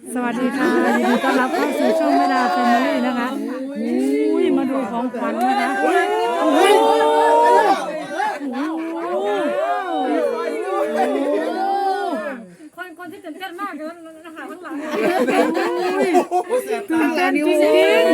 สวัสดีค่ะยินดีต้อนรับเข้าสู่ช่องแม่ดาแฟมิลี่นะคะอุ้ยมาดูของขวัญนะคะคนที่ตื่นเต้นมากเลยนะคะข้างหลังตื่นเต้นจริง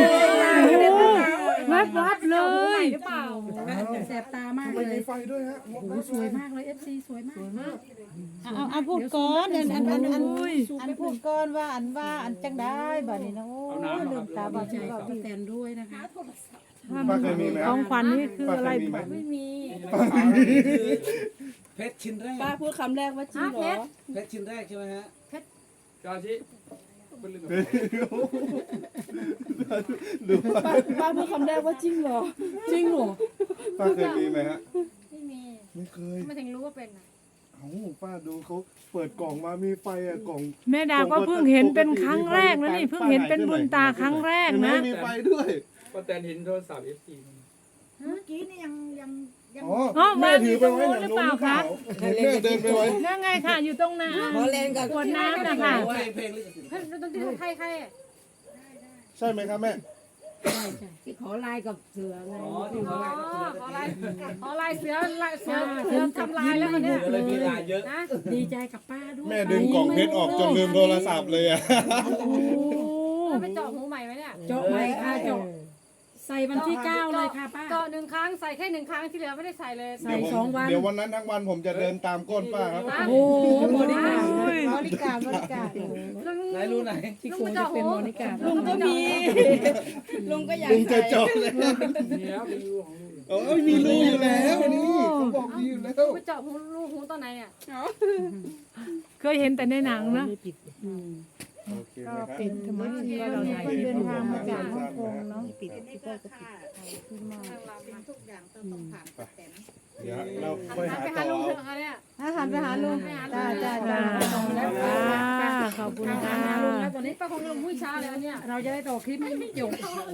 ๆวับเลยหรือเปล่าแสบตามากเลยมีไฟด้วยฮะโอ้สวยมากเลย FC สวยมากเอาพูดก่อนอันพูดก่อนว่าอันจังได้บัดนี้นะโอ้ยลืมตาดีบ่ใจกับพี่แตนด้วยนะคะป้าเคยมีไหมของขวัญนี่คืออะไรไม่มีเพชรชิ้นแรกป้าพูดคำแรกว่าจริงเหรอเพชรชิ้นแรกใช่ไหมฮะกาชิป้าพูดคำแรกว่าจริงเหรอจริงเหรอป้าเคยมีไหมฮะไม่มีไม่เคยไม่ถึงรู้ว่าเป็นอ่ะเอ้าป้าดูเขาเปิดกล่องมามีไฟอะกล่องแม่ดาก็เพิ่งเห็นเป็นครั้งแรกนะนี่เพิ่งเห็นเป็นบุญตาครั้งแรกนะมีไฟด้วยป้าแตนเห็นโทรศัพท์ FC เมื่อกี้นี่ยังอ๋อแม่ถือไปไว้หลังนู้นหรือเปล่าแม่เดินไปไว้นั่นไงค่ะอยู่ตรงน้ำขวดน้ำนะคะเพลงลิขสิทธิ์เฮ้ยดนตรีใครใช่ไหมครับแม่ที่ขอไลน์กับเสือไงอ๋อที่เขาไล่ขอลายเสือทำลายแล้วเนี่ยเลยมีลายเยอะนะดีใจกับป้าด้วยแม่ดึงกล่องเพชรออกจนลืมโทรศัพท์เลยอะเราไปเจาะหูใหม่ไหมเนี่ยเจาะไหมค่ะเจาะใส่วันที่9เลยค่ะป้าเจาะ1 ครั้งใส่แค่1 ครั้งที่เหลือไม่ได้ใส่เลยใส่2 วันเดี๋ยววันนั้นทั้งวันผมจะเดินตามก้นป้าครับโอ้บริการบริการไหนรู้ไหนที่ควรจะเป็นบริการลุงก็มีลุงก็อยากลุงจะเจาะเลยมีแล้วมีรูของลูกเอ้ยมีรูอยู่แล้วนี่เขาบอกมีอยู่แล้วไปเจาะหูตอนไหนเนี่ยเคยเห็นแต่ในหนังนะโอเคไหมครับเป็นธรรมชาติเราได้เดินทางมาจากฮ่องกงเนาะปิดที่เปิดก็ปิดเดี๋ยวเราไปหาไปต่หาอลุงเอาเถอะเนี่ยหันไปหาลุงจ้าขอบคุณค่ะแล้วตอนนี้ป้าคงลงมุ้ยช้าเลยเนี่ยเราจะได้ต่อคลิปไม่จบ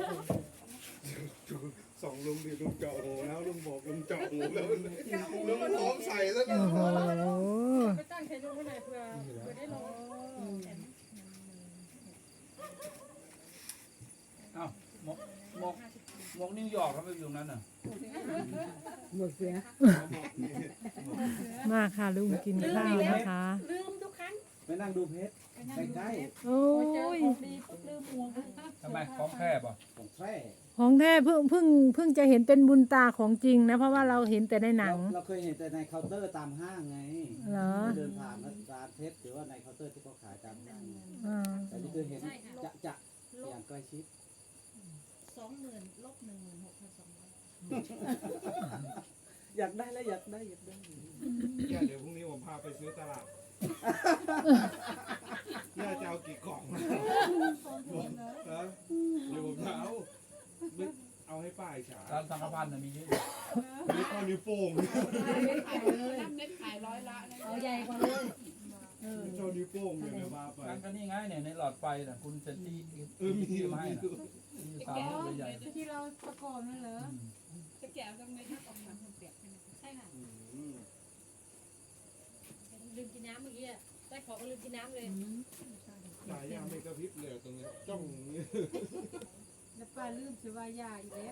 สองลุงดิลุงเจาะหูแล้วลุงบอกลุงเจาะหูแล้วลุงพร้อมใส่แล้วนะไปตั้งใครลุงไว้ไหนเผื่อได้ลงอ้าวหมกนิวยอร์กเขาไปอยู่ตรงนั้นน่ะหมดเสือมาค่ะลุงกินข้าวนะคะลืมทุกครั้งไปนั่งดูเพชรใกล้โอ้ยๆทำไมของแคบอ่ะของแท้ของแท้เพิ่งจะเห็นเป็นบุญตาของจริงนะ เพราะว่าเราเห็นแต่ในหนังเราเคยเห็นแต่ในเคาน์เตอร์ตามห้างไงเหรอเดินผ่านร้านเพชรหรือว่าในเคาน์เตอร์ที่เขาขายตามห้างไงอ่าแต่นี่คือเห็นจะอย่างใกล้ชิดอยากได้แล้วอยากได้เดี๋ยวพรุ่งนี้ผมพาไปซื้อตลาดน่าจะเอากี่กล่องนะเดี๋ยวผมจะเอาให้ป้าอีกฉาร้านสังฆพันธ์น่ะมีเยอะนี่ข้อนิ้วโป้งเอาใหญ่กว่าเลยโชว์นิ้วโป้งอย่างเดียวมาไปงั้นก็นี่ไงเนี่ยในหลอดไฟน่ะคุณจะตีมีมาให้น่ะมีสามลูกใหญ่ที่เราประกอบนั่นเหรอ ลืมกินน้ำเมื่อกี้ได้ของก็ลืมกินน้ำเลยสายยางไม่กระพริบเลยตรงนี้จ้องอย่างนี้แล้วป้าลืมสิว่ายาอีกแล้ว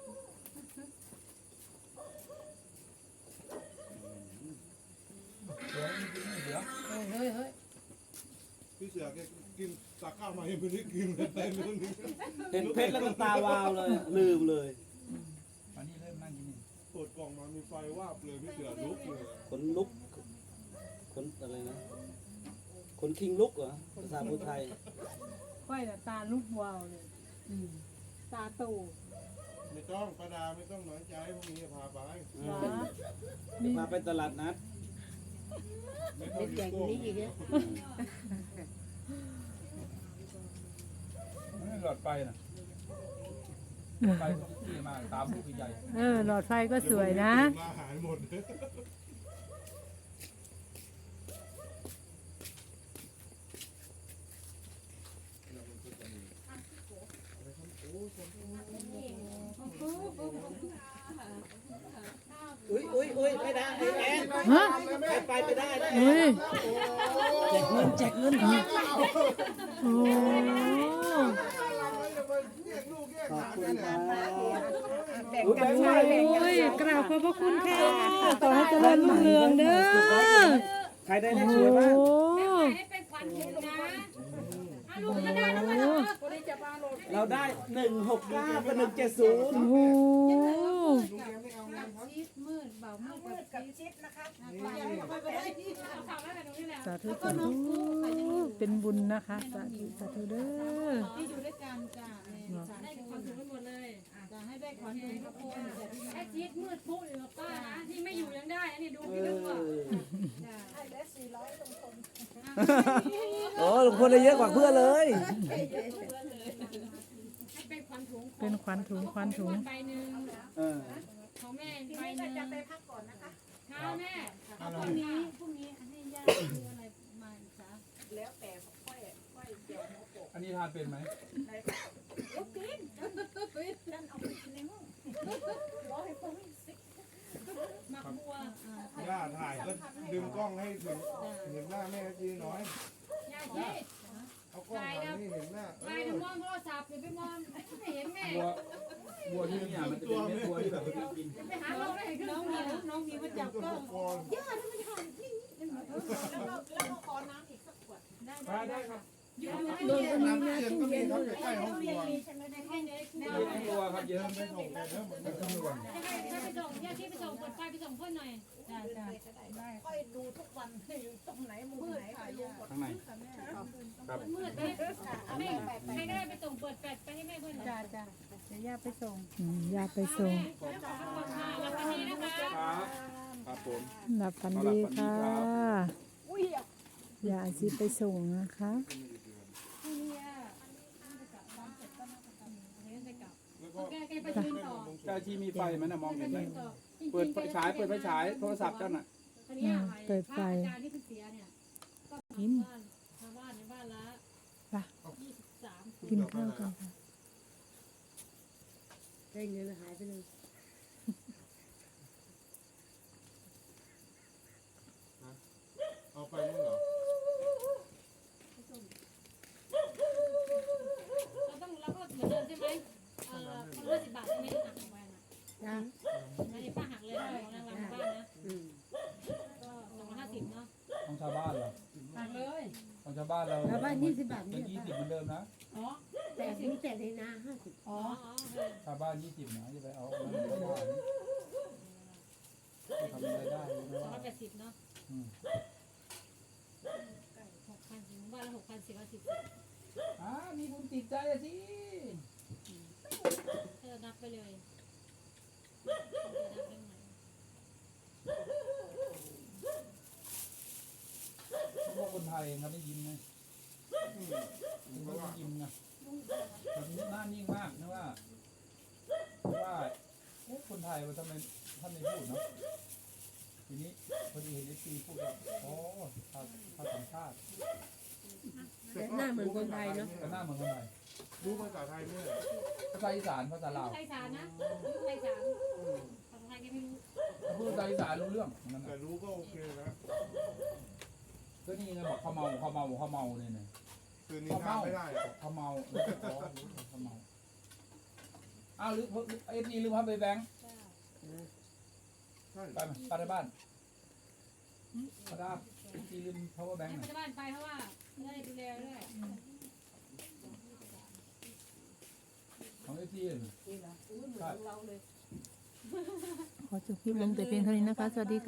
เฮ้ยพี่เสือแกกินตักข้าวมายังไม่ได้กินเลยเต็มเรื่องนี้เห็นเพชรแล้วก็ตาวาวเลยลืมเลยวันนี้เริ่มนั่งกินนี่เปิดกล่องมามีไฟวาบเลยพี่เสือลุกเลยขนลุกขนอะไรนะขนคิงลุกเหรอภาษาพูดไทยค่อยแต่ตาลูกวาวเลยตาตู่ไม่ต้องประดาไม่ต้องน้อยใจพรุ่งนี้จะพาไปพาไปตลาดนัดไม่ต้องนิ้วโป้งหลอดไฟน่ะไฟที่มาตามลูกใหญ่หลอดไฟก็สวยนะมาหายหมดอุ้ยไม่ได้ไอ้แอนฮะไปได้เฮ้ยโอ้แจกเงินแจกเงินโอ้ขอบคุณครับแบ่งกันใช้แบ่งกันโอ้ยกราบขอบพระคุณค่ะต่อให้เจริญรุ่งเรืองเด้อใครได้เลขโอ้สวยบ้างให้เป็นขวัญถุงนะอ่ะลุงก็ได้แล้วมาเหรอเราได้169กับ170 โอ้โหกับชิดนะคะฝากไว้แบบนี้แหละสาธุสาธุเป็นบุญนะคะสาธุสาธุเด้อที่อยู่ด้วยกันจ้ะได้ขวัญถุงไปหมดเลยจะให้ได้ขวัญถุงทุกคนไอ้จี๊ดมืดปุ๊อยู่กับป้านะที่ไม่อยู่ยังได้อันนี้ดูพี่ดูอ่ะให้เหลือ400ตรงคนโอ้ลุงพลได้เยอะกว่าเพื่อนเลยให้เป็นขวัญถุงเป็นขวัญถุงขวัญถุงใบหนึ่งเออของแม่ทีใบนี้หก็นึ่งจะไปพักก่อนนะคะค่ะแม่พรุ่งนี้ให้ย่าซื้ออะไรมาอีกคะแล้วแต่ค่อยเดี๋ยวหัวโปกอันนี้ทานเป็นไหมลูกกินนั่นเอาไปกินในห้องรอให้คนสิหมักบัวย่าถ่ายก็ดึงกล้องให้ถึงเห็นหน้าแม่จีหน่อยยาจี๊ดเอากล้องถ่ายให้เห็นหน้าไปถึงมองโทรศัพท์อย่าไปมองไม่เห็นแม่บัวที่นี่มันจะเป็นเม็ดบัวที่แบบไม่กินไปหาเราได้ขึ้นน้องมีน้องมีมาจับกล้องก่อนย่าทำไมถ่ายนี่แล้วก็ขอน้ำอีกสักขวดได้ได้ครับน้ำเย็นก็มีครับอยู่ใกล้ห้องครัวใช่ไหมได้ให้เลยแม่เยอะทั้งตัวครับเยอะไม่ส่งเลยเด้อเหมือนทั้งตัวให้ไปส่งยาจี๊ดไปส่งเปิดไฟไปส่งเพื่อนหน่อยจ้าได้ค่อยดูทุกวันอยู่ตรงไหนมุมไหนค่อยรู้หมดข้างในครับมืดเลยแม่ใครก็ได้ไปส่งเปิดแฟลชไปให้แม่เพื่อนหน่อยจ้าจ้าเดี๋ยวย่าไปส่งอยากไปส่งแล้ววันนี้นะคะครับครับผมหลับฝันดีค่ะอย่าอาชีพไปส่งนะคะแกไปยืนต่อเจ้าที่มีไฟไหมนะมองเห็นไหมเปิดไฟฉายโทรศัพท์เจ้าน่ะอาจารย์ที่เพิ่งเสียเนี่ยก็ชาวบ้านในบ้านละไป 23 กินข้าวกันค่ะได้เงินหายไปเลยเอาไปนี่เหรอเราก็เหมือนเดิมใช่ไหมคนละ10 บาทไม่ได้หักไปนะจ้าอันนี้ป้าหักเลยของรางวัลบ้านนะก็250เนาะของชาวบ้านเหรอหักเลยของชาวบ้านเราแล้วบ้าน20 บาทเป็นี่น20เหมือนเดิมนะอ๋อแต่ถึงแต่ในนา50อ๋อชาวบ้าน20นะอย่าไปเอาไม่ได้ทำอะไรได้ไม่ว่า 280เนาะ6,000ถึงบ้านละ6,000 10,010 มีบุญติดใจอะสิเธอนับไปเลยนับได้ไหมพวกคนไทยเขาได้ยินไหมเขาได้ยินนะแบบนี้หน้านิ่งมากนะว่าคนไทยว่าทำไมท่านไม่พูดเนาะทีนี้พอดีเห็นFCพูดว่าอ๋อภาษาชาติแต่หน้าเหมือนคนไทยเนาะก็หน้าเหมือนคนไทยรู้ภาษาไทยด้วยภาษาอีสานภาษาลาวไทยสารนะไทยสารภาษาไทยก็ไม่รู้ถ้าพูดภาษาอีสานรู้เรื่องนั่นแต่น่ะรู้ก็โอเคนะก็นี่ไงบอกเขาเมาเนี่ยนะคืนนี้ทานไม่ได้เขาเมาอ๋อรู้เขาเมาอ้าวหรือFCลืมพับไปแบงค์ใช่ไปไหมไปในบ้านป้าดาFCลืม power bank ให้หน่ไปอยบ้านไปเพราะว่าจะได้ดูแลด้วยของ FC เหรอใช่ขอจบคลิปลงแต่เพียงเท่านี้นะคะ สวัสดีค่ะ